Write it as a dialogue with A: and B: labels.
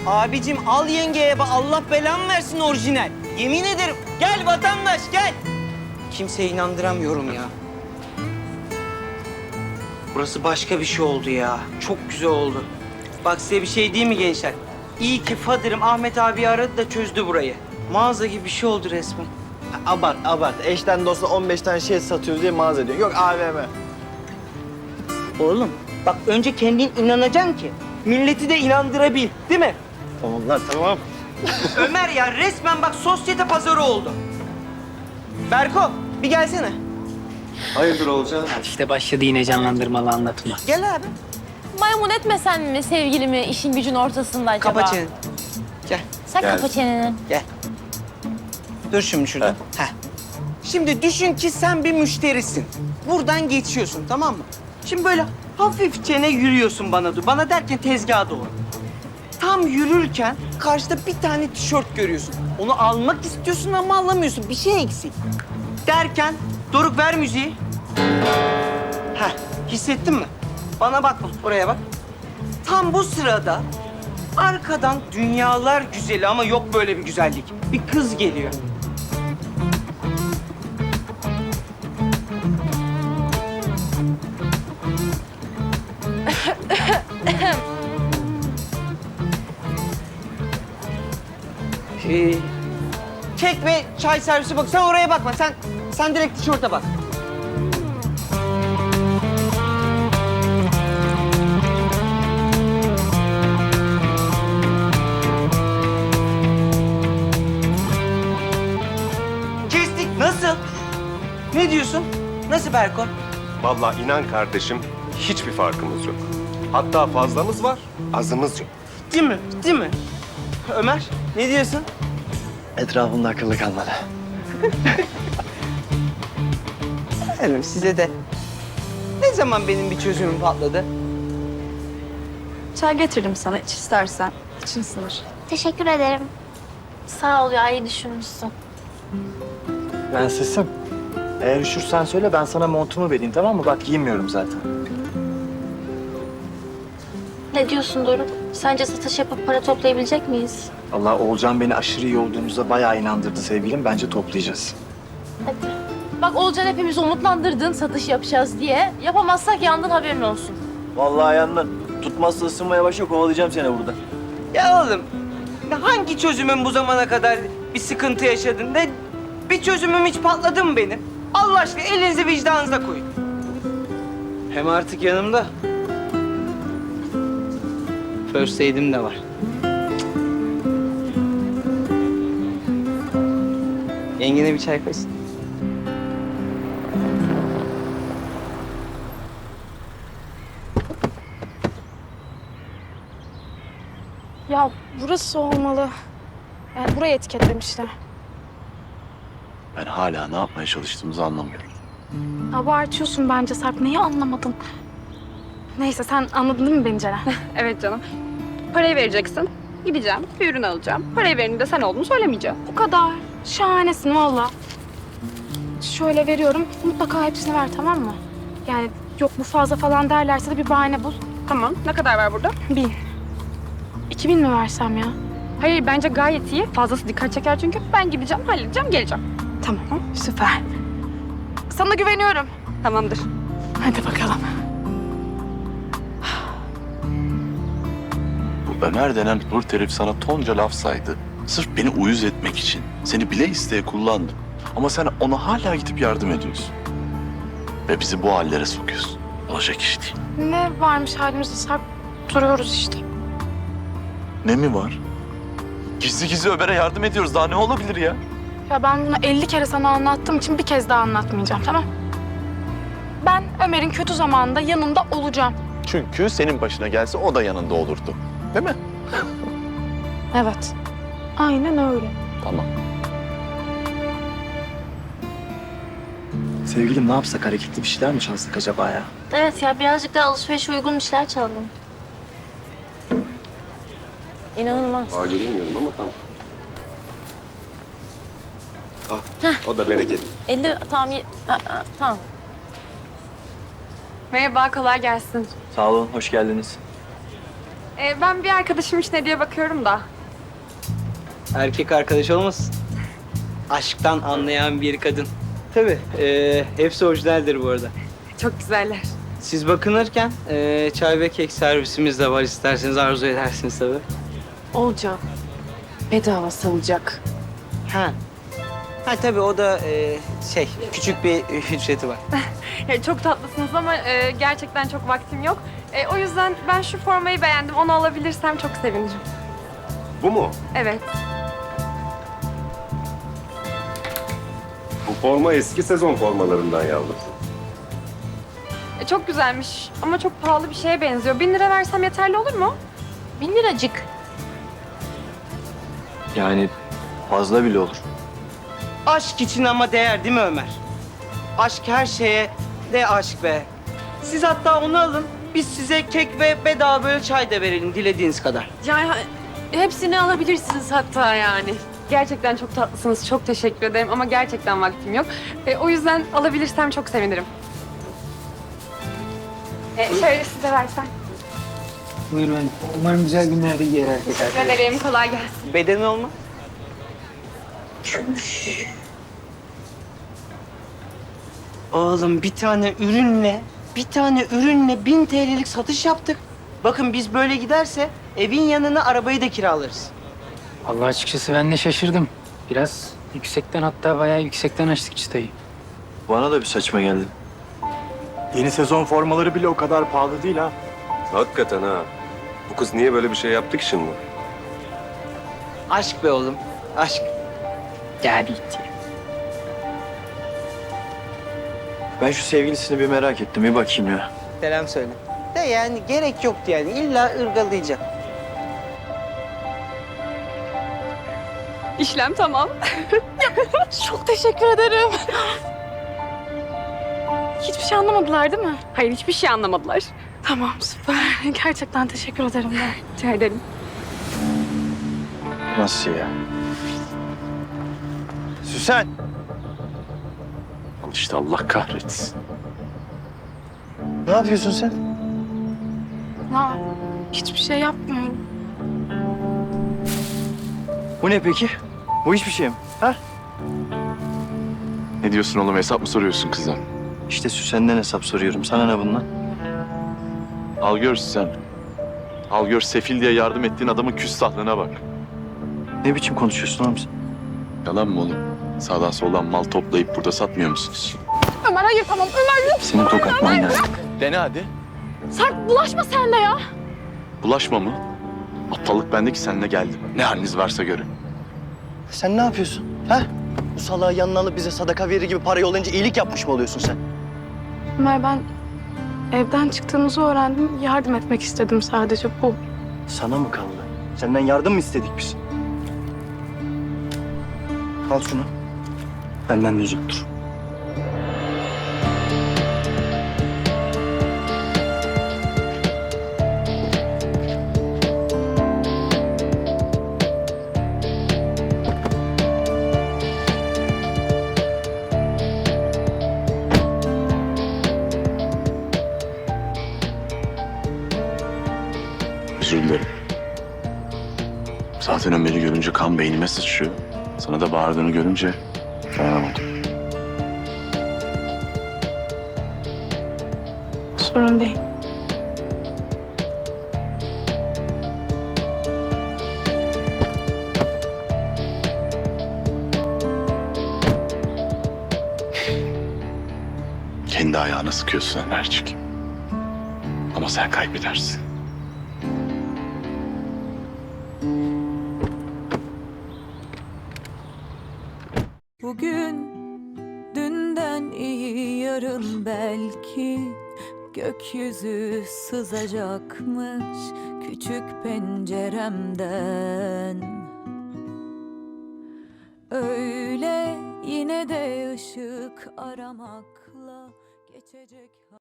A: Abicim al yengeye bak, Allah belamı versin orijinal. Yemin ederim. Gel vatandaş gel. Kimseye inandıramıyorum ya. Burası başka bir şey oldu ya. Çok güzel oldu. Bak size bir şey diyeyim mi gençler? İyi ki Fadır'ım Ahmet abi aradı da çözdü burayı. Mağaza gibi bir şey oldu resmen.
B: Abart, abart. Eşten dosta 15 tane şey satıyoruz diye mağaza diyor. Yok AVM.
A: Oğlum bak önce kendin inanacaksın ki milleti de inandırabil, değil mi?
B: Tamam lan, tamam.
A: Ömer ya resmen bak sosyete pazarı oldu. Berko bir gelsene.
B: Hayırdır olacak?
C: İşte başladı yine canlandırmalı anlatma.
A: Gel abi.
D: Maymun etmesen mi sevgilimi işin gücün ortasında acaba?
A: Kapa çeneni. Gel.
D: Sen
B: Gel.
D: kapa çeneni.
A: Gel. Dur şimdi şurada. Heh. Şimdi düşün ki sen bir müşterisin. Buradan geçiyorsun tamam mı? Şimdi böyle hafifçene yürüyorsun bana doğru. Bana derken tezgaha doğru. Tam yürürken karşıda bir tane tişört görüyorsun. Onu almak istiyorsun ama alamıyorsun. Bir şey eksik. Derken Doruk ver müziği. Heh, hissettin mi? Bana bak, oraya bak. Tam bu sırada arkadan dünyalar güzeli ama yok böyle bir güzellik. Bir kız geliyor. Kek ve çay servisi bak. Sen oraya bakma. Sen direkt tişörte bak. Kestik. Nasıl? Ne diyorsun? Nasıl Berko?
E: Vallahi inan kardeşim, hiçbir farkımız yok. Hatta fazlamız var, azımız yok.
A: Değil mi? Değil mi? Ömer, ne diyorsun?
B: Etrafında akıllı kalmadı.
A: Efendim size de ne zaman benim bir çözümüm patladı?
F: Çay getirdim sana iç istersen. İçin ısınır.
D: Teşekkür ederim. Sağ ol ya, iyi düşünmüşsün.
B: Prensesim. Eğer üşürsen söyle ben sana montumu vereyim tamam mı? Bak giymiyorum zaten.
D: Ne diyorsun Doruk? Sence satış yapıp para toplayabilecek miyiz?
B: Allah Oğulcan beni aşırı iyi olduğumuza bayağı inandırdı sevgilim. Bence toplayacağız.
D: Hadi. Bak Olcan hepimizi umutlandırdın satış yapacağız diye. Yapamazsak yandın, haberin olsun.
B: Vallahi yandın. Tutmazsa ısınmaya başla kovalayacağım seni burada.
A: Ya oğlum, hangi çözümüm bu zamana kadar bir sıkıntı yaşadın? Ne bir çözümüm hiç patladı mı benim? Allah aşkına elinizi vicdanınıza koyun. Hem artık yanımda first aid'im de var. Yengene bir çay koysun.
F: Ya burası olmalı. Yani burayı etiketlemişler.
G: Ben hala ne yapmaya çalıştığımızı anlamıyorum.
F: Abartıyorsun bence Sarp. Neyi anlamadın? Neyse sen anladın değil mi beni Ceren?
H: Evet canım. Parayı vereceksin. Gideceğim, bir ürün alacağım. Parayı verenin de sen olduğunu söylemeyeceğim.
F: Bu kadar. Şahanesin valla. Şöyle veriyorum. Mutlaka hepsini ver tamam mı? Yani yok bu fazla falan derlerse de bir bahane bul.
H: Tamam. Ne kadar var burada?
F: 1000. 2000 mi versem ya?
H: Hayır, bence gayet iyi. Fazlası dikkat çeker çünkü. Ben gideceğim, halledeceğim, geleceğim.
F: Tamam süper. Sana güveniyorum.
H: Tamamdır.
F: Hadi bakalım.
G: Bu Ömer denen hırt herif sana tonca laf saydı. Sırf beni uyuz etmek için. Seni bile isteye kullandı. Ama sen ona hala gidip yardım ediyorsun. Ve bizi bu hallere sokuyorsun. Olacak iş değil.
F: Ne varmış halimizde Sarp? Duruyoruz işte.
G: Ne mi var? Gizli gizli Ömer'e yardım ediyoruz. Daha ne olabilir ya?
F: Ya ben bunu 50 kere sana anlattığım için bir kez daha anlatmayacağım tamam? Ben Ömer'in kötü zamanında yanında olacağım.
G: Çünkü senin başına gelse o da yanında olurdu. Değil mi?
F: Evet. Aynen öyle.
G: Tamam.
B: Sevgilim ne yapsak hareketli bir şeyler mi çalsak acaba ya?
D: Evet ya, birazcık daha alışverişe uygun işler çalalım. İnanılmaz.
E: Aile bilmiyorum ama tamam. O da bereket.
D: 50 tamam. Tamam.
H: Merhaba, kolay gelsin.
B: Sağ olun, hoş geldiniz.
H: Ben bir arkadaşım için hediye bakıyorum da.
A: Erkek arkadaş olmasın? Aşktan anlayan bir kadın. Tabii, hepsi orijinaldir bu arada.
H: Çok güzeller.
A: Siz bakınırken çay ve kek servisimiz de var. İsterseniz arzu edersiniz tabii.
I: Olcan. Bedava salacak.
A: Ha. Ha tabii o da küçük bir ücreti var.
H: Çok tatlısınız ama gerçekten çok vaktim yok. O yüzden ben şu formayı beğendim. Onu alabilirsem çok sevinirim.
E: Bu mu?
H: Evet.
E: Bu forma eski sezon formalarından yavrum.
H: Çok güzelmiş ama çok pahalı bir şeye benziyor. 1000 lira versem yeterli olur mu?
D: 1000 liracık.
B: Yani fazla bile olur.
A: Aşk için ama değer değil mi Ömer? Aşk her şeye de aşk be. Siz hatta onu alın. Biz size kek ve bedava böyle çay da verelim dilediğiniz kadar.
I: Yani hepsini alabilirsiniz hatta yani.
H: Gerçekten çok tatlısınız. Çok teşekkür ederim ama gerçekten vaktim yok. O yüzden alabilirsem çok sevinirim. Şöyle size versem.
C: Buyurun. Umarım güzel günlerde giyer erkek
H: Teşekkür ederim. Kolay gelsin.
A: Bedeni olma. Oğlum bir tane ürünle 1000 TL'lik satış yaptık. Bakın biz böyle giderse evin yanına arabayı da kiralarız.
C: Allah açıkçası ben de şaşırdım. Biraz yüksekten, hatta bayağı yüksekten açtık çıtayı.
B: Bana da bir saçma geldi.
J: Yeni sezon formaları bile o kadar pahalı değil ha.
E: Hakikaten ha. Bu kız niye böyle bir şey yaptı ki şimdi?
A: Aşk be oğlum, aşk.
C: Geldi gitti.
B: Ben şu sevgilisini bir merak ettim. Bir bakayım ya.
A: Selam söyle. De yani gerek yoktu yani. İlla ırgalayacak.
H: İşlem tamam.
F: Çok teşekkür ederim. Hiçbir şey anlamadılar değil mi?
H: Hayır, hiçbir şey anlamadılar.
F: Tamam, süper. Gerçekten teşekkür ederim ben.
H: Rica ederim.
B: Nasıl ya? Süsen!
G: Al işte, Allah kahretsin.
B: Ne yapıyorsun sen?
F: Ya, hiçbir şey yapmıyorum.
B: Bu ne peki? Bu hiçbir şey mi? Ha?
G: Ne diyorsun oğlum, hesap mı soruyorsun kıza?
B: İşte Süsen'den hesap soruyorum. Sana ne bundan?
G: Al gör sen. Al gör, sefil diye yardım ettiğin adamın küstahlığına bak.
B: Ne biçim konuşuyorsun oğlum sen?
G: Yalan mı oğlum? Sağdan soldan mal toplayıp burada satmıyor musunuz?
F: Ömer hayır tamam. Ömer yok.
B: Seni tokatman lazım.
G: Dene hadi.
F: Sarp bulaşma sen de ya.
G: Bulaşma mı? Aptallık bende ki seninle geldim. Ne haliniz varsa görün.
B: Sen ne yapıyorsun? Ha? Bu salağı yanına alıp bize sadaka verir gibi para yollayınca iyilik yapmış mı oluyorsun sen?
F: Ömer ben evden çıktığımızı öğrendim. Yardım etmek istedim sadece bu.
B: Sana mı kaldı? Senden yardım mı istedik biz? Al şunu. Benden de uzak dur.
G: Özür dilerim. Zaten Ömer'i görünce kan beynime sıçrıyor. Sana da bağırdığını görünce dayanamadım.
F: Sorun değil.
G: Kendi ayağına sıkıyorsun Ömercik. Ama sen kaybedersin.
K: Bugün dünden iyi, yarın belki gökyüzü sızacakmış küçük penceremden. Öyle yine de ışık aramakla geçecek.